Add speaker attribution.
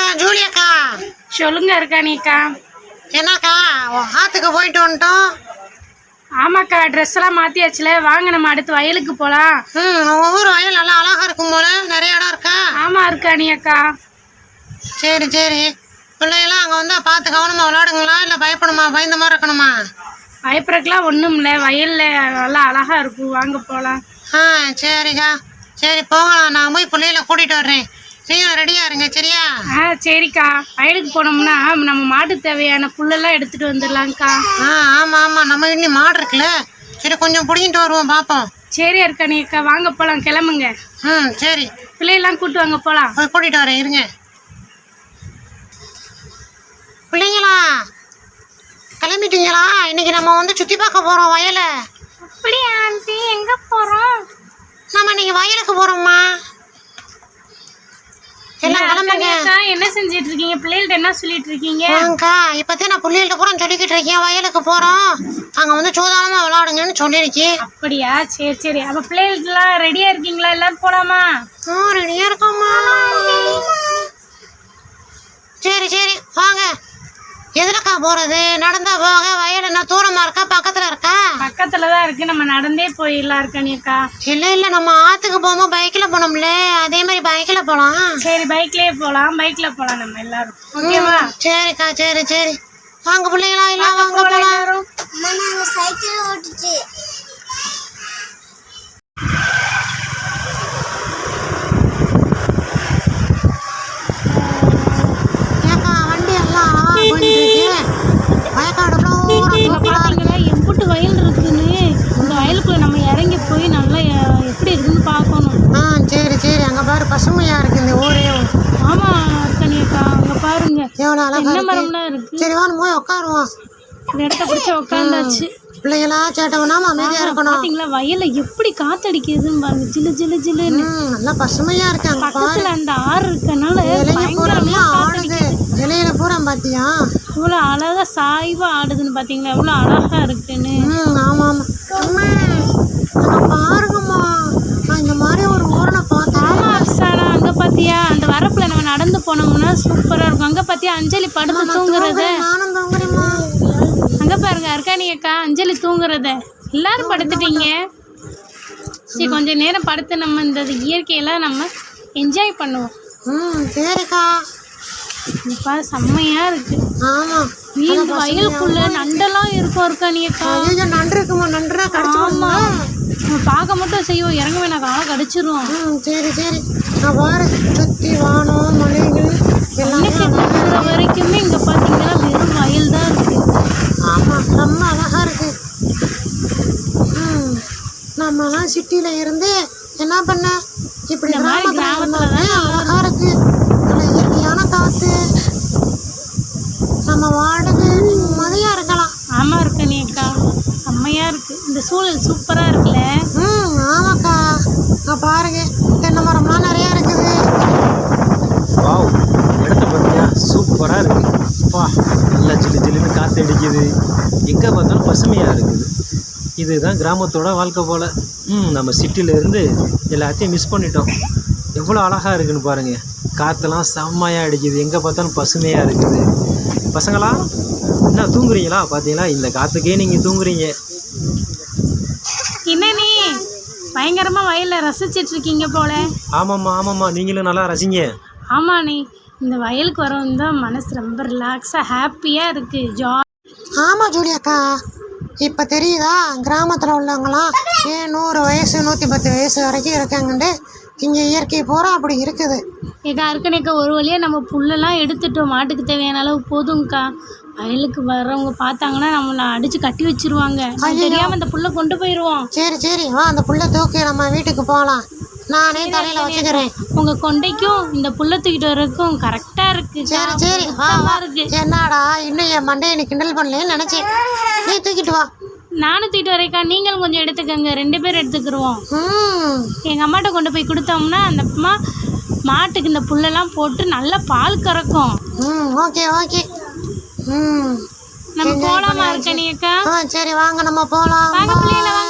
Speaker 1: ஜூலியாக்கா.
Speaker 2: சொல்லுங்க இருக்கானிக்கா.
Speaker 1: என்னக்கா ஆத்துக்கு போயிட்டு வந்துட்டோம்.
Speaker 2: ஆமாக்கா, ட்ரெஸ் எல்லாம் மாத்தியாச்சுல, வாங்க நம்ம அடுத்து வயலுக்கு போலாம்.
Speaker 1: ஒவ்வொரு வயல் நல்லா அழகா இருக்கும் போல, நிறைய இடம் இருக்கா?
Speaker 2: ஆமா இருக்கானியக்கா.
Speaker 1: சரி சரி, பிள்ளைகளாம் அங்கே வந்தால் பார்த்து கவனமாக விளையாடுங்களா, இல்லை பயப்படணுமா, பயந்த மாதிரி இருக்கணுமா?
Speaker 2: பயப்படுறதுக்குலாம் ஒன்றும் இல்லை, வயல்ல நல்லா அழகா இருக்கும், வாங்க போகலாம்.
Speaker 1: சரிக்கா, சரி போகலாம். நான் போய் பிள்ளைகளை கூட்டிகிட்டு வர்றேன், நீங்களும் ரெடியாக இருங்க சரியா?
Speaker 2: சரிக்கா. வயலுக்கு போனோம்னா நம்ம மாட்டுக்கு தேவையான புல்லெல்லாம் எடுத்துட்டு வந்துடலாம்க்கா.
Speaker 1: ஆமாம் ஆமாம், நம்ம இன்னும் மாடு இருக்குல்ல, சரி கொஞ்சம் பிடிங்கிட்டு வருவோம் பார்ப்போம்.
Speaker 2: சரி இருக்கானியக்கா, வாங்க போகலாம், கிளம்புங்க.
Speaker 1: சரி,
Speaker 2: பிள்ளையெல்லாம் கூட்டு வாங்க போகலாம்.
Speaker 1: போய் கூட்டிகிட்டு வரேன் இருங்க. பிள்ளைங்களா கிளம்பிட்டீங்களா? இன்னைக்கு நம்ம வந்து சுற்றி பார்க்க போகிறோம் வயலை.
Speaker 2: அப்படியா ஆண்டி? எங்கே போகிறோம்?
Speaker 1: நம்ம இன்னைக்கு வயலுக்கு போகிறோம்மா. எல்லாம் கிளம்புங்க.
Speaker 2: என்ன செஞ்சிட்டு இருக்கீங்க? பிள்ளைகள்ட்ட என்ன சொல்லிட்டு இருக்கீங்க?
Speaker 1: இப்போதான் நான் பிள்ளைகள்ட்ட கூட சொல்லிக்கிட்டு இருக்கேன், வயலுக்கு போகிறோம், அங்கே வந்து சூதானமாக விளையாடுங்கன்னு சொல்லியிருக்கேன்.
Speaker 2: அப்படியா? சரி சரி. அப்போ பிள்ளைகளுக்குலாம் ரெடியாக இருக்கீங்களா? எல்லாரும் போகலாமா?
Speaker 1: ரெடியாக இருக்கோம்மா. சரி சரி வாங்க. எதுலக்கா போகிறது? நடந்தா போக? வயல் என்ன தூரமாக இருக்கா, பக்கத்தில் இருக்கா?
Speaker 2: பக்கத்தில் தான் இருக்குது, நம்ம நடந்தே போயிடலாம் இருக்கானியக்கா.
Speaker 1: இல்லை இல்லை, நம்ம ஆற்றுக்கு போகும்போது பைக்கில் போனோம்ல, அதே மாதிரி பைக்கில் போகலாம்.
Speaker 2: சரி பைக்லேயே போகலாம், பைக்கில் போகலாம் நம்ம எல்லாரும். ஓகேவா?
Speaker 1: சரிக்கா, சரி சரி வாங்க பிள்ளைங்களா, எல்லாம் வாங்க போகலாம்.
Speaker 3: சைக்கிள் ஓட்டுச்சு.
Speaker 2: எம்புட்டு வயல் இருக்குன்னு, இந்த வயலுக்குள்ள நம்ம இறங்கி போய் நல்லா எப்படி இருக்குன்னு பார்க்கணும்.
Speaker 1: சரி சரி, அங்கே பாரு பசுமையா இருக்கு இந்த ஊரே.
Speaker 2: ஆமா இருக்கனியக்கா, அங்க பாருங்க
Speaker 1: எவ்வளோ அழகா
Speaker 2: என்ன மரம்லாம் இருக்கு.
Speaker 1: சரி வாங்க போய் உட்காருவோம்.
Speaker 2: இந்த இடத்த பிடிச்ச உட்காந்தாச்சு.
Speaker 1: பிள்ளைங்களா சேட்டவனாம அமைதியா இருக்கணும்.
Speaker 2: பாத்தீங்களா வயல்ல எப்படி காத்தடிக்குதுன்னு பாருங்க, ஜிலு ஜிலு ஜிலுன்னு.
Speaker 1: நல்லா பசுமையா இருக்கு. அங்க
Speaker 2: பக்கத்துல அந்த ஆறு இருக்கனால பயங்கரமா
Speaker 1: ஆடுது. இலையில பூரா பாத்தியா
Speaker 2: இவ்வளவு அழகா சாய்வா ஆடுதுன்னு? பாத்தீங்களா எவ்வளவு அழகா இருக்குன்னு?
Speaker 1: ஆமா ஆமா பாருங்கம்மா, நான் இந்த மாதிரி ஒரு ஊரை பார்த்தேன்.
Speaker 2: ஆமா அப்சாரா, அங்க பாத்தியா அந்த வரப்புல நம்ம நடந்து போனோம்னா சூப்பரா இருக்கும். அங்க பாத்தியா அஞ்சலி படுத்து தூங்குறத.
Speaker 1: நானும் தூங்குறேம்மா.
Speaker 2: அங்க பாருங்க அர்க்கானியக்கா, அஞ்சலி தூங்குறத. எல்லாரும் படுத்துட்டீங்க. சரி கொஞ்ச நேரம் படுத்து நம்ம இந்த இயற்கையெல்லாம் நம்ம என்ஜாய் பண்ணுவோம்.
Speaker 1: சரிக்கா.
Speaker 2: இப்ப செம்மையா இருக்கு.
Speaker 1: ஆமா,
Speaker 2: இந்த வயலுக்குள்ள நண்டெல்லாம் இருக்கும் அர்க்கானியக்கா.
Speaker 1: நண்டு இருக்குமா? நன்றா
Speaker 2: ஆமா, நம்ம பார்க்க மட்டும் செய்வோம், இறங்க வேணாம், காலை கடிச்சிரும்.
Speaker 1: சரி சரி, நான் பாரு சுத்தி வானம் மலைகள்
Speaker 2: எல்லாம் வரைக்குமே இங்க பாத்தீங்கன்னா வெறும் வயல் தான் இருக்கு.
Speaker 1: ஆமா, ரொம்ப அழகா இருக்கு. நம்மலாம் சிட்டில இருந்து என்ன பண்ண, இப்படி கிராமத்துல தான் அழகா இருக்கு. இயற்கையான காத்து, நம்ம வாடகை நிம்மதியா இருக்கலாம்.
Speaker 2: ஆமா இருக்கனியக்கா, செம்மையா இருக்கு. இந்த சூழல் சூப்பரா இருக்குல்ல.
Speaker 1: ஆமாக்கா, பாருங்க தென்னை மரம்லாம் நிறைய இருக்குது.
Speaker 4: வாவ், இடத்த பார்த்தியா சூப்பராக இருக்குது. வா, நல்லா ஜில்லு ஜில்லுன்னு காற்று அடிக்குது, எங்கே பார்த்தாலும் பசுமையாக இருக்குது. இதுதான் கிராமத்தோட வாழ்க்கை போல். நம்ம சிட்டியிலேருந்து எல்லாத்தையும் மிஸ் பண்ணிட்டோம். எவ்வளோ அழகாக இருக்குதுன்னு பாருங்கள், காற்றெல்லாம் செம்மையாக அடிக்குது, எங்கே பார்த்தாலும் பசுமையாக இருக்குது. பசங்களா என்ன தூங்குறீங்களா? பார்த்தீங்களா, இந்த காற்றுக்கே நீங்கள் தூங்குறீங்க.
Speaker 2: என்ன நீ பயங்கரமாக வயலில் ரசிச்சிட்டு இருக்கீங்க போல.
Speaker 4: ஆமாம்மா, நீங்களும் நல்லா ரசிங்க.
Speaker 2: ஆமாம், நீ இந்த வயலுக்கு வரவும் தான் மனசு ரொம்ப ரிலாக்ஸாக ஹாப்பியாக இருக்குது.
Speaker 1: ஆமாம் ஜூலியாக்கா, இப்போ தெரியுதா கிராமத்தில் உள்ளவங்களாம் ஏன் 100 வயசு 110 வயசு வரைக்கும் இருக்காங்கன்ட்டு. இங்கே இயற்கை பூரா அப்படி இருக்குது.
Speaker 2: ஏக்கா இருக்கனேக்கா, ஒரு வழியாக நம்ம புல்லெல்லாம் எடுத்துட்டோம், மாட்டுக்கு தேவையான அளவு போதும்க்கா. வயலுக்கு வர்றவங்க பார்த்தாங்கன்னா நம்மளை அடித்து கட்டி வச்சிருவாங்க. தெரியாமல் அந்த புல்லை கொண்டு போயிடுவோம்.
Speaker 1: சரி வா, அந்த புல்லை தூக்கி நம்ம வீட்டுக்கு போகலாம். நானே தலையில் வச்சுக்கிறேன்.
Speaker 2: உங்கள் கொண்டைக்கும் இந்த புல்லை தூக்கிட்டு வர்றதுக்கும் கரெக்டாக இருக்குது.
Speaker 1: சரி வா இருக்கு. என்னடா இன்னும் என் மண்டையை நீ கிண்டல் பண்ணலன்னு நினச்சேன். நீ தூக்கிட்டு வா.
Speaker 2: நானும் தூக்கிட்டு வரேக்கா, நீங்களும் கொஞ்சம் எடுத்துக்கங்க, 2 பேர் எடுத்துக்கிடுவோம். எங்கள் அம்மாட்ட கொண்டு போய் கொடுத்தோம்னா அந்த அம்மா மாட்டுக்கு இந்த புல்லெல்லாம் போட்டு நல்லா பால் கறக்கும்.
Speaker 1: ஓகே
Speaker 2: நம்ம போகலாமா இருக்கனியக்கா?
Speaker 1: சரி வாங்க நம்ம போகலாம்.
Speaker 2: வாங்க பிள்ளைங்கள வாங்க.